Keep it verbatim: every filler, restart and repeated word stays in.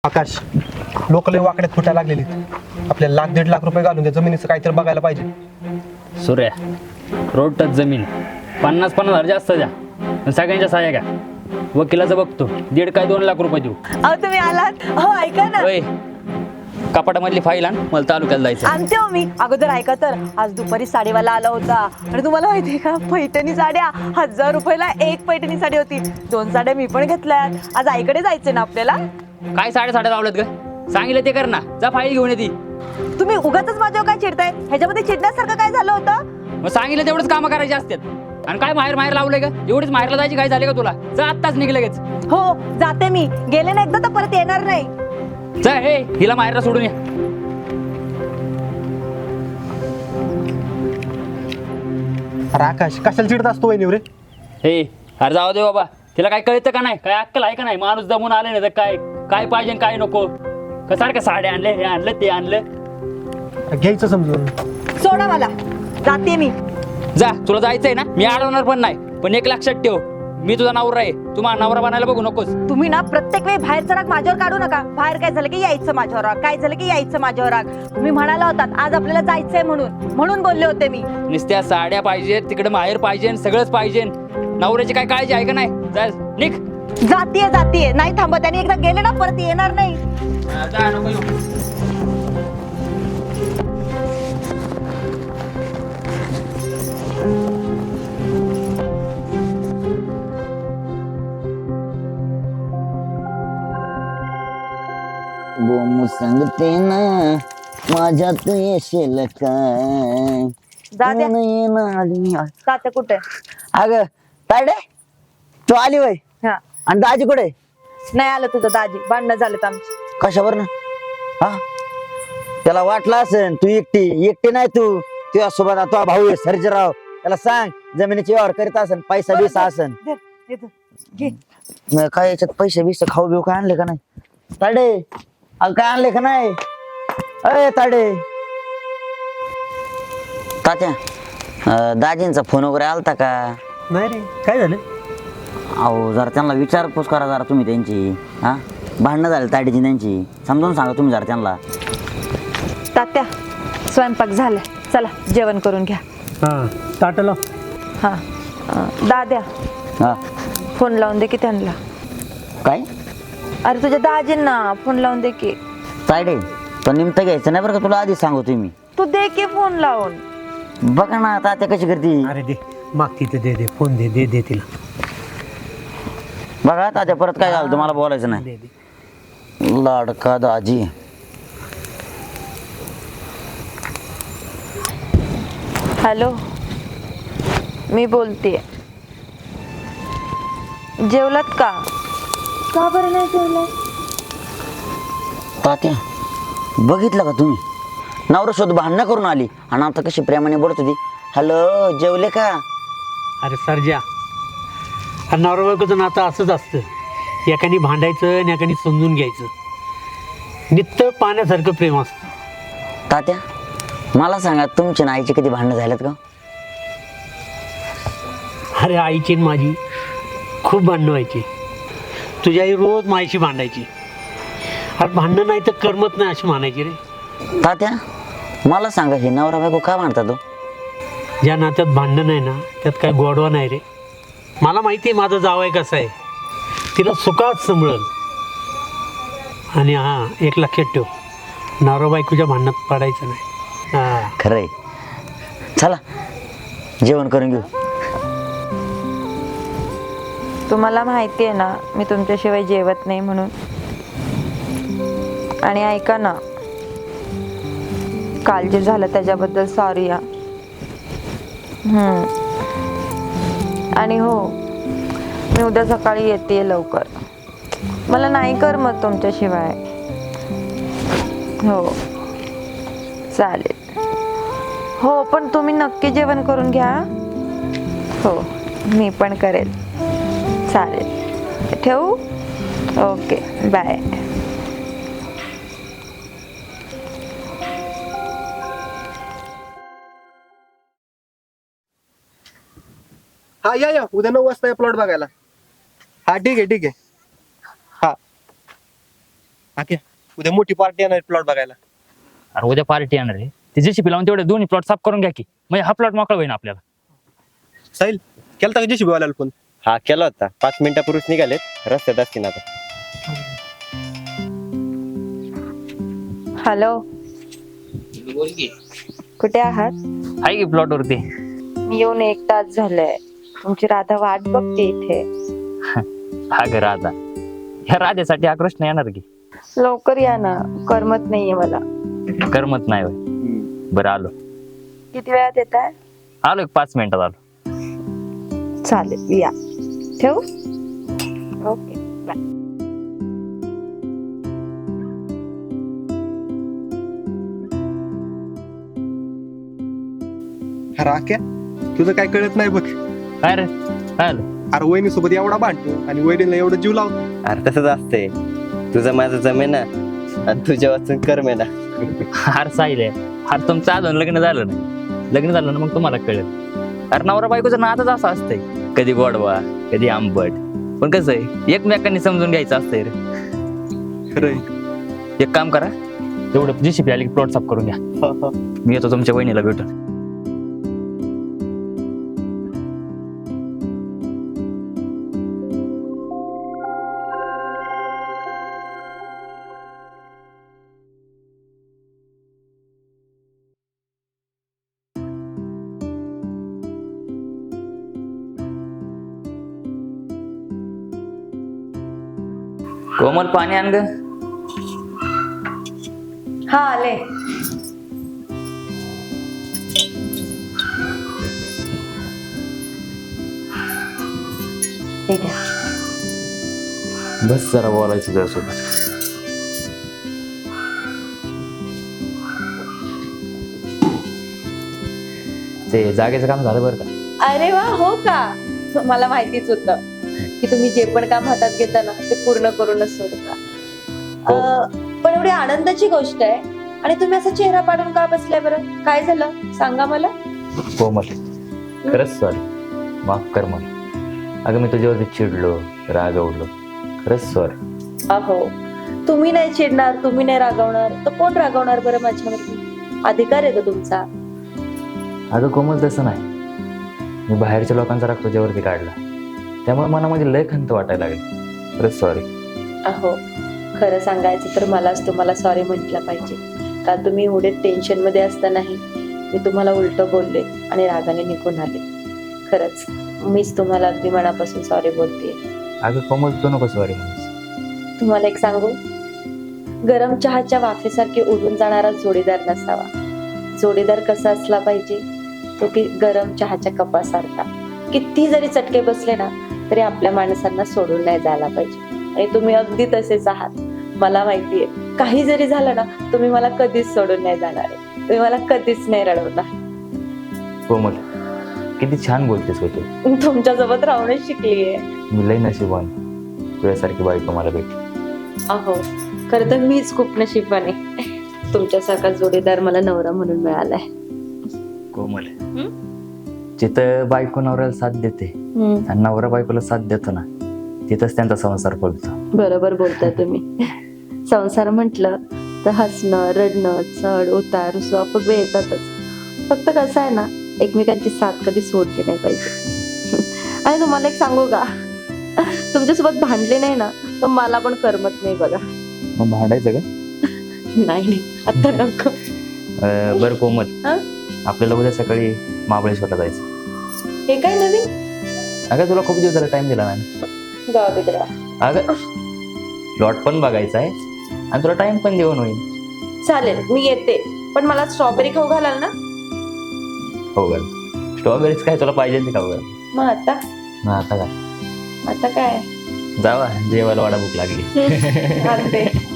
आकाश, लोक लय वाकड्यात फुटायला लागलेली. आपल्याला लाख दीड लाख रुपये घालून त्या जमिनीचं काहीतरी बघायला पाहिजे. सूर्या, रोड टच जमीन पन्नास पन्नास हजार जास्त द्या पण सगळ्यांच्या सहाय्या का. वकिलाचं बघतो दीड काय दोन लाख रुपये देऊ. अहो तुम्ही आलात. हो ऐका ना, होय, कपाटामधली फाईल आण, मला तालुक्याला जायचं. आणते हो मी. अगोदर ऐका तर, आज दुपारी साडीवाला आला होता आणि तुम्हाला माहितीये का, पैठणी साड्या हजार रुपयाला एक पैठणी साडी होती. दोन साड्या मी पण घेतल्यात. आज आईकडे जायचे ना आपल्याला. काय साडे साड्या लावल्यात ग, सांगितलं ते कर ना. जा फाईल घेऊन येते. तुम्ही उगाचच माझ्यावर काय चिडताय? ह्याच्यामध्ये चिडण्यासारखं काय झालं होतं? मग सांगितलं तेवढंच कामं करायची असतात. आणि काय माहेर माहेर लावलंय का, एवढीच माहेरला जायची काय झाली का तुला? जा आत्ताच निघ लगेच. हो जाते मी. गेले ना एकदा तर परत येणार नाही. जा, हे हिला माहेरला सोडून या. अरे आकाश, कशाला चिडत असतो वहिनीवर रे? हे अरे जाऊ दे बाबा, तिला काय कळतं का नाही? काय अक्कल आहे का नाही? माणूस जमून आले नाही तर काय काय पाहिजे काय नको. का सारखं साड्या आणले, हे आणलं ते आणलं. घ्यायचं समजून. सोडा मला, जाते मी. जा, तुला जायचंय ना, मी अडवणार पण नाही. पण एक लक्षात ठेव, मी तुझा नवरा आहे. तू माझा नवरा बनायला बघू नकोस. तुम्ही ना प्रत्येक वेळी बाहेरचा राग माझ्यावर काढू नका. बाहेर काय झालं की यायचं माझ्यावर राग, काय झालं की यायचं माझ्यावर राग. तुम्ही म्हणाला होतात आज आपल्याला जायचंय म्हणून म्हणून बोलले होते मी. नुसत्या साड्या पाहिजेत, तिकडे माहेर पाहिजे, सगळंच पाहिजे. नवऱ्याची काय काळजी आहे का नाही? जा निघ. जातीये जातीये नाही थांबत. आणि एकदा गेले ना परत येणार नाही. जा, नको येऊ. गोमू सांगते ना माझ्यात येशील काय. जा द्या. तात्या कुठे? अग तायडे, तू आली वय हा, आणि दाजी कुठे? नाही आलं तुझं दाजी. भांडणं झालेत आमची. कशावर ना? हा, त्याला वाटलं असेल तू एकटी एकटी नाही. तू तुझ्या सोबत तुझा भाऊ आहे सर्जेराव. त्याला सांग जमिनीची व्यवहार करीत असेल, पैसा बिसा असेल. दे, दे, दे. घे. मग काय याच्यात पैसे बिसे खाऊ बिऊ काय आणले का नाही? ताडे, अगं काय आणले का नाही? अय ताडे. तात्या, अं, दाजींचा फोन वगैरे आलता का? नाही रे, काय झालं? अहो जरा त्यांना विचारपूस करा जरा तुम्ही त्यांची. हा, भांडणं झाली ताडीची त्यांची, समजून सांगा तुम्ही जरा त्यांना. तात्या, स्वयंपाक झालाय, चला जेवण करून घ्या. हा, ताटला. हा, अं, दाद्या हा, फोन लावून दे की त्यांना. काय अरे तुझ्या दाजींना फोन लावून दे की. तायडे, तो निमतं घ्यायचं नाही बरं का, तुला आधी सांगू तुम्ही. तू दे की फोन लावून. बघा ना तात्या कशी करते. अरे दे, मागती तर दे दे, फोन दे दे दे तिला. बघा तात्या परत काय झालं तुम्हाला बोलायचं नाही. दे दे. लाडका दाजी. हॅलो, मी बोलते. जेवलात का? का बरं नाही जेवलं? तात्या बघितलं का तुम्ही, नवरा शोध भांडणं करून आली आणि आता कशी प्रेमाने बोलत होती. हॅलो, जेवले का? अरे सर्जा, नवरा बायकोचं नातं असंच असतं. एकाने भांडायचं आणि एकाने समजून घ्यायचं. नित्य पाण्यासारखं प्रेम असतं. तात्या मला सांगा, तुमच्या आणि आईची कधी भांडणं झाल्यात का? अरे आईची आणि माझी खूप भांडणं व्हायची. तुझी आई रोज माझ्याशी भांडायची. अरे भांडणं नाही तर करमत नाही अशी म्हणायची रे. तात्या मला सांगा, हे नवरा बायको का भांडतात हो? ज्या नात्यात भांडणं नाही ना, त्यात काय गोडवा नाही रे. मला माहिती आहे माझा जावई कसा आहे. तिला सुखात सांभाळल. आणि हां, एक लक्षात ठेव, नवरा बायकोच्या भांडणात पडायचं नाही. हां, खरंय. चला जेवण करून घेऊ. तुम्हाला माहिती आहे ना, मी तुमच्याशिवाय जेवत नाही म्हणून. आणि ऐका ना, काल जे झालं त्याच्याबद्दल सॉरी या. हम्म. आणि हो, मी उद्या सकाळी येते लवकर. मला नाही करमत तुमच्याशिवाय. हो चालेल. हो पण तुम्ही नक्की जेवण करून घ्या. हो मी पण करेल. चालेल, ठेवू? Okay, bye. हा या या, उद्या नऊ वाजता प्लॉट बघायला. हा ठीक आहे ठीक आहे. हा आके उद्या मोठी पार्टी येणार प्लॉट बघायला. अरे उद्या पार्टी येणार आहे ते जेसीबी लावून तेवढे दोन्ही प्लॉट साफ करून घ्या की म्हणजे हा प्लॉट मोकळा होईल आपल्याला. साहिल केलता का जेसीबी वाल्याला फोन? हा केला होता, पाच मिनिटापूर्वीच निघालेत, रस्त्यात असतील आता. हॅलो, कुठे आहात? आहे की प्लॉट वरती. मी येऊन एक तास झालाय, तुमची राधा वाट बघते इथे. हा घर राधा ह्या राधेसाठी आक्रोश नाही येणार की. लवकर या ना, करमत नाहीये मला. करमत नाही होय. बरं आलो किती वेळात येत आहे? आलो एक पाच मिनिटात आलो. चालेल, या. ठेवू? Okay, bye. अरे आक्या तुझं काय कळत नाही बघ. काय रे काय आलं? अरे वहिनी सोबत एवढा भांडतो आणि वहिनीला एवढं जीव लावतो. अरे तसंच असतंय, तुझं माझं जमेना आणि तुझ्या वाचून करमेना. हार साईल आहे. हार तुमचं अजून लग्न झालं नाही. लग्न झालं ना मग तुम्हाला कळेल. अरे नवरा बायकोचं नातच असं असतंय, कधी गोडवा कधी आंबट, पण कसं आहे एकमेकांनी समजून घ्यायचं असतंय रे. खरंय. एक काम करा, तेवढं जीसीपी आली की प्लॉट साफ करून घ्या. मी येतो तुमच्या वहिनीला भेटून. कोमल पाणी आण ग. हा आले. ठीक आहे. बस जरा बोलायचं तुझ्यासोबत. ते जागेचं काम झालं बरं का? अरे वा, हो का? मला माहितीच होतं की तुम्ही जे पण काम हातात घेता ना ते पूर्ण करूनच सोडता. हो. अं, पण एवढी आनंदाची गोष्ट आहे आणि तुम्ही असा चेहरा पाडून का बसलाय बरं? काय झालं सांगा मला. कोमल खरंच सॉरी, माफ कर मला. अगं मी तुझ्यावरती चिडलो रागवलो, खरंच सॉरी. अहो, तुम्ही नाही चिडणार, तुम्ही नाही रागवणार तर कोण रागवणार बरं माझ्यावरती? अधिकार आहे तो तुमचा. अगं कोमल तसं नाही, मी बाहेरच्या लोकांचा राग तुझ्यावरती काढला त्यामुळे मनामध्ये लय खंत वाटायला लागली. खरंच सॉरी. अहो, खरं सांगायचं तर मलाच तुम्हाला सॉरी म्हटलं पाहिजे, का तुम्ही एवढे टेन्शन मध्ये असतानाही मी तुम्हाला उलट बोलले आणि रागाने निघून आले. खरंच मीच तुम्हाला अगदी मनापासून सॉरी बोलते. अगं कोमल तू नको सॉरी म्हणूस. तुम्हाला एक सांगू, गरम चहाच्या वाफेसारखे उडून जाणारा जोडीदार नसावा. जोडीदार कसा असला पाहिजे, तो की गरम चहाच्या कपासारखा. किती जरी चटके बसले ना तरी आपल्या माणसांना सोडून नाही जायला पाहिजे. आणि तुम्ही अगदी तसेच आहात. मला माहितीये, काही जरी झालं ना तुम्ही मला कधीच सोडून नाही जाणार आहे. तुम्ही मला कधीच नाही रडवणार. कोमल किती छान बोलतेस हो तू. तुमच्यासोबत राहूनच शिकलीये. मी लय नशिबान तुझ्यासारखी बायको मला भेटली. अहो, खरं तर मीच खूप नशिबाने तुमच्यासारखा जोडीदार मला नवरा म्हणून मिळालाय. कोमल जिथं बायको नवऱ्याला साथ देते आणि नवरा बायकोला साथ देतो ना तिथंच त्यांचा संसार फुलतो. बरोबर बोलताय तुम्ही. संसार म्हटलं तर हसणं रडणं चढ उतार रुसवा फुगवे येतातच. फक्त कसं आहे ना, एकमेकांची साथ कधी सोडली नाही पाहिजे. आणि तुम्हाला एक सांगू का, तुमच्यासोबत भांडले नाही ना तर मला पण करमत नाही बघा. मग भांडायचं का? नाही नाही, आता नको. अं, बरं कोमल, हा? आपल्याला उद्या सकाळी महाबळेश्वरला जायचं. हे काय नवीन? अगं तुला खूप दिवस झाला टाइम दिला नाही. जाऊ दे जरा. अगं प्लॉट पण बघायचा आहे आणि तुला टाइम पण देऊन होईल. चालेल, मी येते, पण मला स्ट्रॉबेरी खाऊ घालाल ना? हो ग, स्ट्रॉबेरीज काय तुला पाहिजे ते खाऊ घाल. मग आता ना आता काय आता काय जावा जेवायला वाडा भूक लागली. आणते.